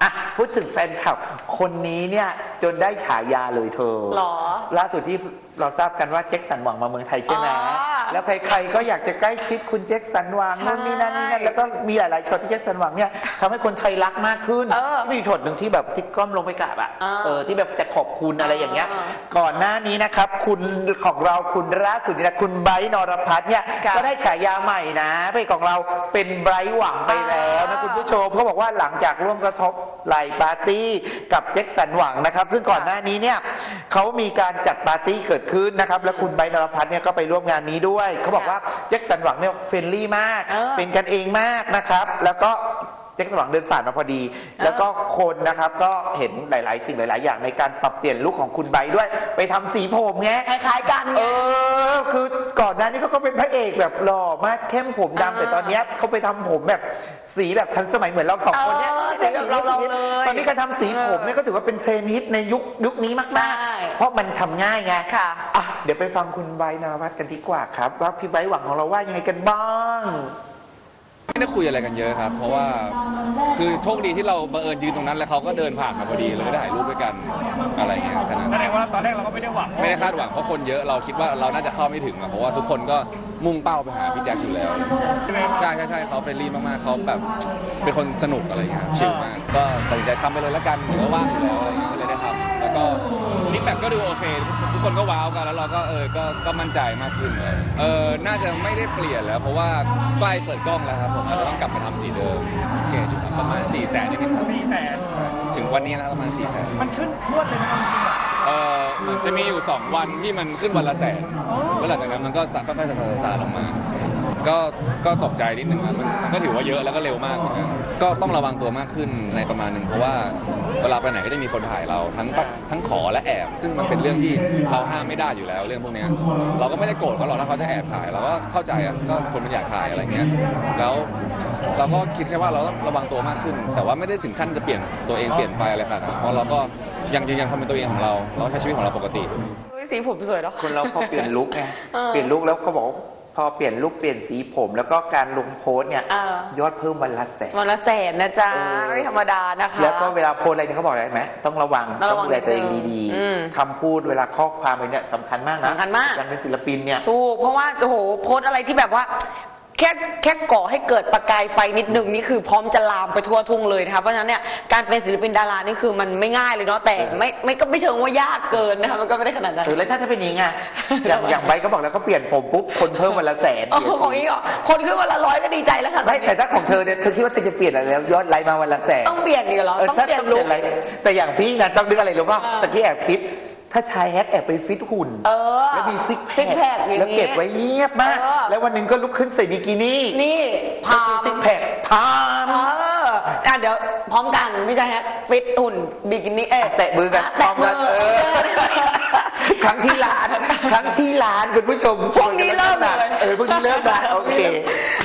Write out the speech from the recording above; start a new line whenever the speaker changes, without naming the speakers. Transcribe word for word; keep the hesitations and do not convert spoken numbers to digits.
ะพูดถึงแฟนคลับคนนี้เนี่ยจนได้ฉายาเลยเธอ
หรอ
ล่าสุดที่เราทราบกันว่าแจ็คสันหวังมาเมืองไทยใช่ไหมแล้วใครๆก็อยากจะใกล้ชิดคุณแจ็คสันหวังนู่นนี่นั่นนี่นั่นแล้วก็มีหลายๆช็อตที่แจ็คสันหวังเนี่ยทำให้คนไทยรักมากขึ้นมีช็อตหนึ่งที่แบบที่ก้มลงไปกราบอ่ะเออที่แบบจะขอบคุณอะไรอย่างเงี้ยก่อนหน้านี้นะครับคุณของเราคุณล่าสุดนี่นะคุณไบรท์นรพัฒน์เนี่ยก็ได้ฉายาใหม่นะเพลงของเราเป็นไบรท์หวังไปแล้วนะคุณผู้ชมเขาบอกว่าหลังจากร่วมกระทบไหลปาร์ตี้กับแจ็คสันหวังนะครับซึ่งก่อนหน้านี้เนี่ยเขามีการจัดปาร์ตี้เกิดขึ้นนะครับแล้วคุณไบรท์นรพัฒน์เนี่ยก็ไปร่วมงานนี้ด้วยเขาบอกว่าแจ็คสันหวังเนี่ยเฟรนลี่มากเป็นกันเองมากนะครับแล้วก็แจ็คสันหวังเดินผ่านมาพอดีแล้วก็คนนะครับก็เห็นหลายๆสิ่งหลายๆอย่างในการปรับเปลี่ยนลุคของคุณไบรท์ด้วยไปทำสีผมไง
คล้ายๆกัน
เออคือก่อนหน้านี้เขาก็เป็นพระเอกแบบหล่อมากเข้มผมดำแต่ตอนนี้เขาไปทำผมแบบสีแบบทันสมัยเหมือนเราสองคนเนี่ยตอนนี้การทำสีผมเนี่ยก็ถือว่าเป็นเทรนด์ฮิตในยุคยุคนี้มากๆเพราะมันทำง่ายไง
ค่ะ
อ่ะเดี๋ยวไปฟังคุณไบรท์นรพัฒน์กันดีกว่าครับว่าพี่ไบรท์หวังของเราว่ายังไงกันบ้าง
ไม่ได้คุยอะไรกันเยอะครับเพราะว่าคือโชคดีที่เราบังเอิญยืนตรงนั้นแล้วเขาก็เดินผ่านมาพอดีเลยได้ถ่ายรูปด้วยกันอะไรเงี้ยแค่นั้น
แสดงว่าตอนแรกเราก็ไม่ได้หวัง
ไม่ได้คาดหวังเพราะคนเยอะเราคิดว่าเราน่าจะเข้าไม่ถึงเพราะว่าทุกคนก็มุ่งเป้าไปหาพี่แจ็คอยู่แล้วใช่ใช่ใช่เขาเฟรนลี่มากๆเขาแบบเป็นคนสนุกอะไรเงี้ยชิลมากก็ตัดสินใจทำไปเลยแล้วกันหรือว่าว่างอยู่แล้วอะไรเงี้ยก็เลยได้ทำแล้วก็ฟีดแบ็กก็ดูโอเคทุกคนก็ว้าวกันแล้วเราก็เออก็ก็มั่นใจมากขึ้นเลยเออน่าจะไม่ได้เปลี่ยนแล้วเพราะว่าใกล้เปิดกล้องแล้วครับผมอาจจะต้องกลับมาทำสีเดิมเกณฑ์อยู่ประมาณสี่แสนนี่ครับ
สี่แสน
ถึงวันนี้แล้วประมาณสี่แสน
มันขึ้นพรวดเลยนะครับ
เออมันจะมีอยู่สองวันที่มันขึ้นวันละแสนแล้วหลังจากนั้นมันก็ค่อยๆซาๆลงมาก็ก็ตกใจนิดนึงครับมันก็ถือว่าเยอะแล้วก็เร็วมากเหมือนกันก็ต้องระวังตัวมากขึ้นในประมาณหนึ่งเพราะว่าเวลาไปไหนก็จะมีคนถ่ายเราทั้งทั้งขอและแอบซึ่งมันเป็นเรื่องที่เราห้ามไม่ได้อยู่แล้วเรื่องพวกนี้เราก็ไม่ได้โกรธเขาหรอกถ้าเขาจะแอบถ่ายเราก็เข้าใจอ่ะก็คนมันอยากถ่ายอะไรเงี้ยแล้วเราก็คิดแค่ว่าเราต้องระวังตัวมากขึ้นแต่ว่าไม่ได้ถึงขั้นจะเปลี่ยนตัวเองเปลี่ยนไปอะไรขนาดนั้นเพราะเราก็ยังยืนยันความเป็นตัวเองของเราเราใช้ชีวิตของเราปกติ
สีผมสวยเนาะ
คนเราพอเปลี่ยนลุคไงเปลี่ยนลุคแล้วเขาบอกพอเปลี่ยนลุคเปลี่ยนสีผมแล้วก็การลงโพสเนี่ยยอดเพิ่มวันละแสน
วันละแสนนะจ๊ะไม่ธรรมดานะคะ
แล้วก็เวลาโพสอะไรเนี่ยเขาบอกอะไรไหมต้องระวังต้องดูแลตัวเองดีๆคำพูดเวลาข้อความอะไรเนี่ยสำคัญมากนะ
สำคัญมาก
การเป็นศิลปินเนี่ย
ถูกเพราะว่าโอ้โหโพสอะไรที่แบบว่าแค่แค่ก่อให้เกิดประกายไฟนิดนึงนี่คือพร้อมจะลามไปทั่วทุ่งเลยนะคะเพราะฉะนั้นเนี่ยการเป็นศิลปินดารานี่คือมันไม่ง่ายเลยเนาะแต่ไม่ไม่ก็ไม่เชิงว่ายากเกินนะคะมันก็ไม่ได้ขนาดนั้น
แล้วถ้าจะเป็นอย่างไงอย่างอย่างไบก็บอกแล้วก็เปลี่ยนผมปุ๊บคนเพิ่มวันละแสน
โอ้ของอีกอ่ะคนขึ้นวันละร้อยก็ดีใจแล้วค่ะ
ไม่แต่ถ้าของเธอเนี่ยเธอคิดว่าเธอจะเปลี่ยนอะไรแล้วยอดไลค์มาวันละแสน
ต้องเปลี่ยนอีกเหรอต้องเปลี่ยนลุค
แต่อย่างพี่นะต้องนึกอะไรรู้ป่ะตะกี้แอบคิดถ้าชายแฮกแอบไปฟิตหุ่นแล้วมีซิกแพคแล้วเก็บไว้เงียบมากแล้ววันหนึ่งก็ลุกขึ้นใส่บิกินี่
นี่พา
ซิกแพคพาม
เอออ่ะเดี๋ยวพร้อมกันพี่ชายแฮกฟิตหุ่นบิกินี่เอ๊ะ
แตะมือกันพร้อมกันเออครั้งที่ร้านครั้งที่ร้านคุณผู้ชม
พวกนี้เริ่มเลย
เออพวกนี้เริ่มนะโอเค